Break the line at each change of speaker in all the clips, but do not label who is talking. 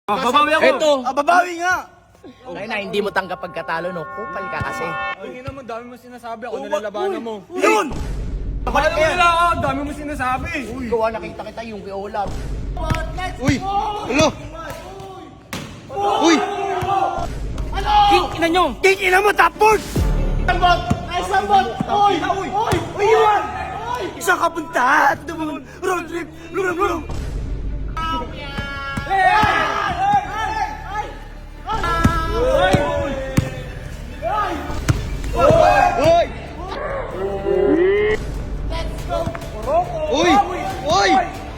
Babawi ako.
Eto.
Babawi nga.
Ay na, hindi mo tanggap pagkatalo, no? Kupal ka kasi.
Hindi naman, dami mo sinasabi. Ako nilalabanan mo. Yun!
Balik ka yan.
Wala ako, dami mo sinasabi.
Gawa nakita kita yung kay Olaf.
Uy! Ano? Uy!
King, ina nyo!
King ina mo, top board!
Sambot! Ay, sambot! Oy!
Uy, iwan! Isang kapunta at naman, road trip, lulong.
Uy! Uy! Uy!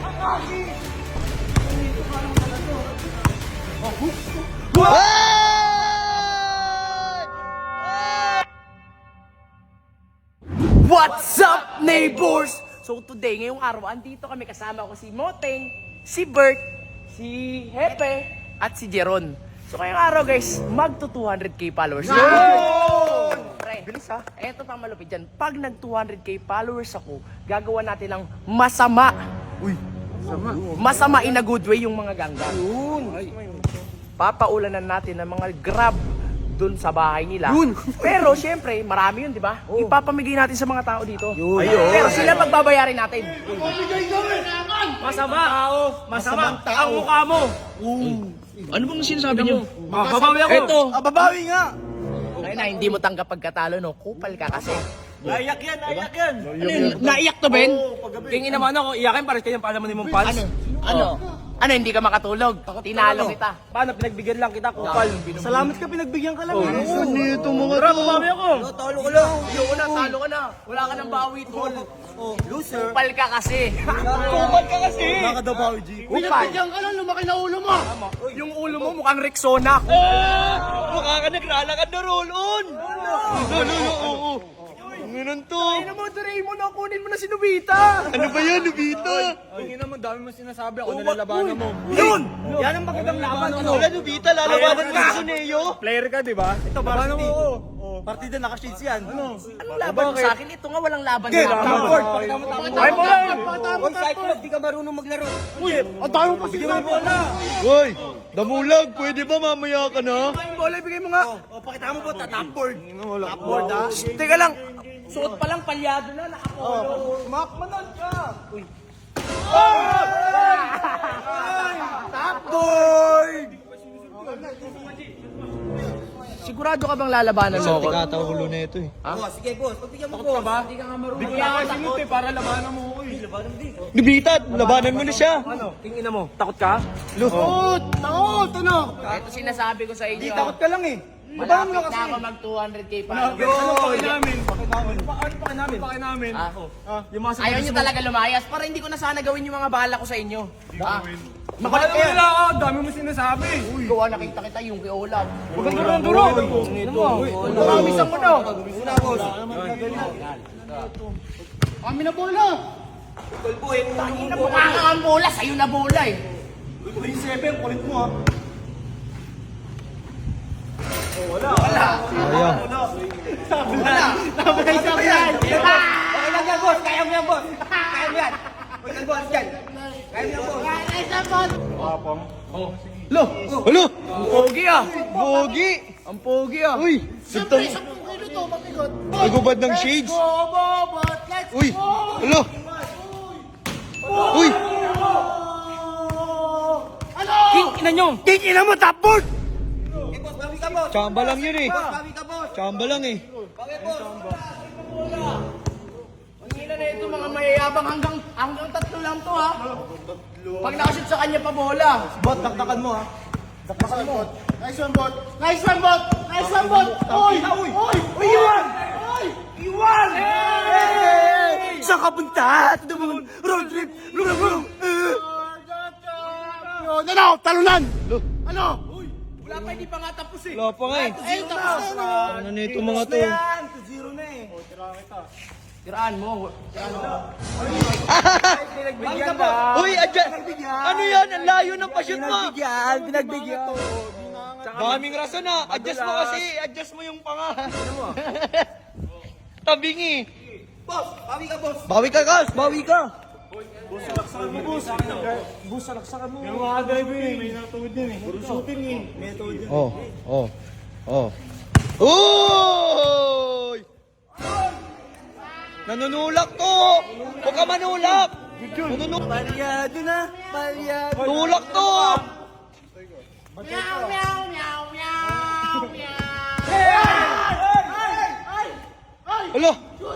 What's up, neighbors? So today, ngayong araw, andito kami kasama ko si Moteng, si Bert, si Hepe, at si Jeron. So ngayong araw guys, magto 200k followers. Pre, bilis ha. Eto pang malupit dyan. Pag nag 200k followers ako, gagawa natin ng masama. Uy, masama in a good way yung mga ganggang. Papaulanan natin ng mga grab dun sa bahay nila. Pero syempre, marami yun, di ba? Ipapamigay natin sa mga tao dito. Pero sila pagbabayarin natin. Masama. Masama ang mukha mo.
Ano bang sinasabi niyo?
Babawi ako.
Eto.
Babawi nga.
Ay na, hindi mo tanggap pagkatalo, no? Kupal ka kasi.
Naiyak yan, naiyak yan.
Ano yun? Naiyak to, Ben?
King ina mo, ano, iyakin pares kanyang palaman mong pants.
Ano, hindi ka makatulog? Tinalo kita.
Paano, pinagbigyan lang kita, kupal. Salamat ka, pinagbigyan ka lang.
Ano ito mga
Tara,
to?
babawi ako.
Talo ka lang. Talo ka na. Wala ka ng bawi, tol.
Loser.
Kupal ka kasi.
Kupal ka kasi. Nakadabawi, G.
Kupal.
ka lang, lumaki na ulo mo.
Yung ulo mo mukhang Rexona.
Mukha ka naglalakad na roll-on! Oo. Ganun to.
Ano mo, Doraemon, kunin mo na si Nobita.
Ano ba yan, Nobita?
King ina mo, dami mo sinasabi. Ako nilalabanan mo. Yun! Yan ang magandang laban.
Wala, Nobita, lalabanan mo sa Suneo.
Player ka, di ba? Ito, varsity. Partida, naka-shades yan. Ano?
Anong laban mo sa akin? Ito nga walang laban
Okay,
sa akin.
Ay, mo lang! Huwag cyclone, di ka marunong maglaro. Uy, ang dami mo pa sinasabi.
Hoy, damulag, pwede ba mamaya ka na?
Yung bola, ibigay mo nga. O, pakita mo po, top-board. Top-board, ha?
Teka lang. Suot pa lang palyado na, nakapolo.
Makmanan ka! Uy. Top-board!
Sigurado ka bang lalabanan mo ako?
Tikataw ulo na ito eh.
Sige, boss. Pagbigyan mo, boss. Ba? Hindi ka nga marunong. Bigla ka sinut eh, para labanan mo. Uy, labanan din.
Nobita, labanan mo na siya.
Ano? Tingin mo, takot ka? Takot! Takot! Ano?
Ito sinasabi ko sa inyo.
Hindi, takot ka lang eh.
Malapit na ako mag 200k pa.
Ano paki namin? Ano paki namin? Yung mga
Ayaw nyo talaga lumayas para hindi ko na sana gawin yung mga bahala ko sa inyo.
Makala mo nila ako, dami mo sinasabi.
Gawa nakita kita yung kay Olaf.
Duro!
Nakamisan mo na.
Una, boss. Kami na bola!
Tangina mo nga ang bola. Sa'yo na bola eh.
Uy, 7, kulit mo ha.
Sayang.
Sabay sa yan! Okay lang yan, boss. Kaya mo yan, boss. Kaya mo yan. Huwag kang boss yan. Kaya mo yan, boss.
Lo! Alo!
Ang pogi ah.
Bogi!
Ang pogi ah.
Uy! Sintang... Nagubad ng shades! Uy! Alo! Uy!
King, ina nyo.
King ina mo, top board!
Chamba lang yun eh. Chamba lang eh.
Ang ina na ito mga mayayabang hanggang tatlo lang to ha. Pag nakashoot sa kanya pa bola.
Bot, taktakan mo ha. Taktakan mo. Nice one, bot. Nice one, bot. Nice one, bot. Uy! Uy! Uy! Iwan! Iwan! Saan ka punta? Ito naman, road trip. Lulong. Ano? Talunan! Ano?
Wala pa, hindi pa nga tapos eh.
Wala pa nga eh.
Tapos na.
Ano na ito mga to?
2-0 na eh.
Tiraan mo.
Pinagbigyan ka.
Uy! Ano yan? Ang layo ng pasyon mo!
Pinagbigyan.
Daming rason na. Adjust mo kasi. Adjust mo yung panga. Tabingi.
Boss, bawi ka, boss.
Bawi ka, Gas. Bawi ka.
Bus, salaksakan mo. Yung mga driver eh, may natuwid yan eh. Puro shooting eh. May natuwid yan.
Uy! Nanunulak to! Huwag ka manulak! Nanunulak!
Palyado na! Palyado!
Tulak to!
Meow, meow, meow, meow, meow.
Alo!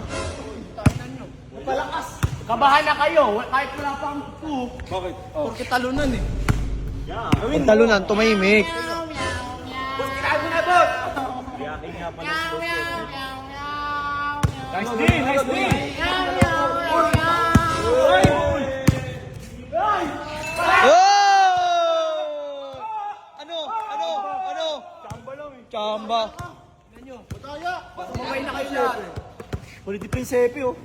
Palakas!
Kabahan na kayo, kahit wala pang two.
Bakit? Porque talunan eh.
Ang talunan, tumahimik.
Meow, meow, meow.
Boss, kailangan mo na, boss!
Meow, meow, meow, meow.
Nice D! Nice D!
Meow, meow, meow, meow.
Oh! Ano? Ano? Ano?
Chamba lang eh.
Chamba.
Mataya!
Sumabay na kayo lahat.
Pwede di prinsepe oh.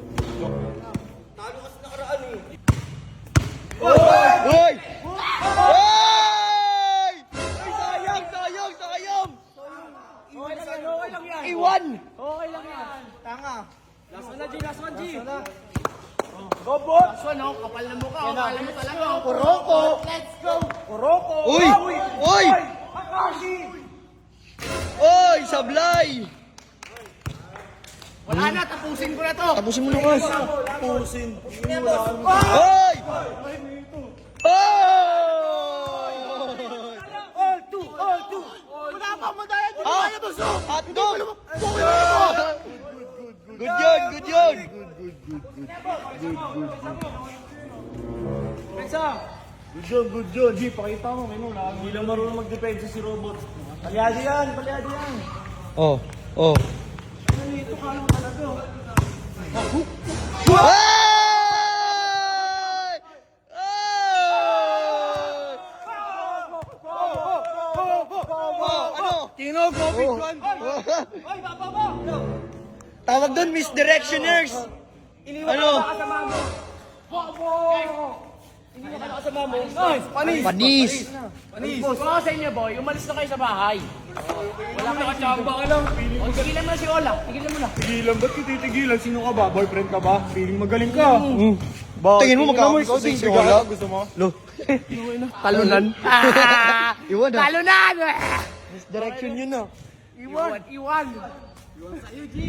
Uy! Uy! Ay, sayang! Sayang! Sayang!
Okay lang yan.
Iwan!
Okay lang yan.
Tanga.
Last one na, G. Last one, G.
Go, bot!
Last one, oh. Kapal na mukha. Oh. Kala mo talaga. Oh.
Kuroko!
Let's go.
Kuroko!
Uy! Uy!
Akashi!
Uy! Sablay!
Wala na, tapusin ko na to.
Tapusin mo na, Kas.
Pusin.
Uy!
All two! All two! Wala pa madaya! Di ba kaya boss?
Hotdog! Good yun! Good yun!
Good yun. Di, pakita mo. Hindi lang marunong magdepensa si Robot. Palyado yan! Palyado yan!
Oh, oh.
Ito ka lang talaga.
Ay! Ay! Oh, ano?
Kinog, Bobby
Oh.
Juan! Ay, baba mo!
Tawag doon, misdirectioners. Ano?
Panis!
Panis.
Panis. Kung ako sa inyo, boy, umalis na kayo sa bahay. Wala kayo chamba ka lang. O, tigilan mo na si Ola. Tigilan mo na.
Tigilan, ba't ka titigilan? Sino ka ba? Boyfriend ka ba? Feeling magaling ka.
Tingin mo magkakaroon
ikaw
sa
sing
sexy
sigara?
wala?
Gusto mo?
Lo.
Talunan.
Iwan ah.
Talunan!
Misdirection yun ah.
Iwan. Iwan. Iwan sa'yo, G.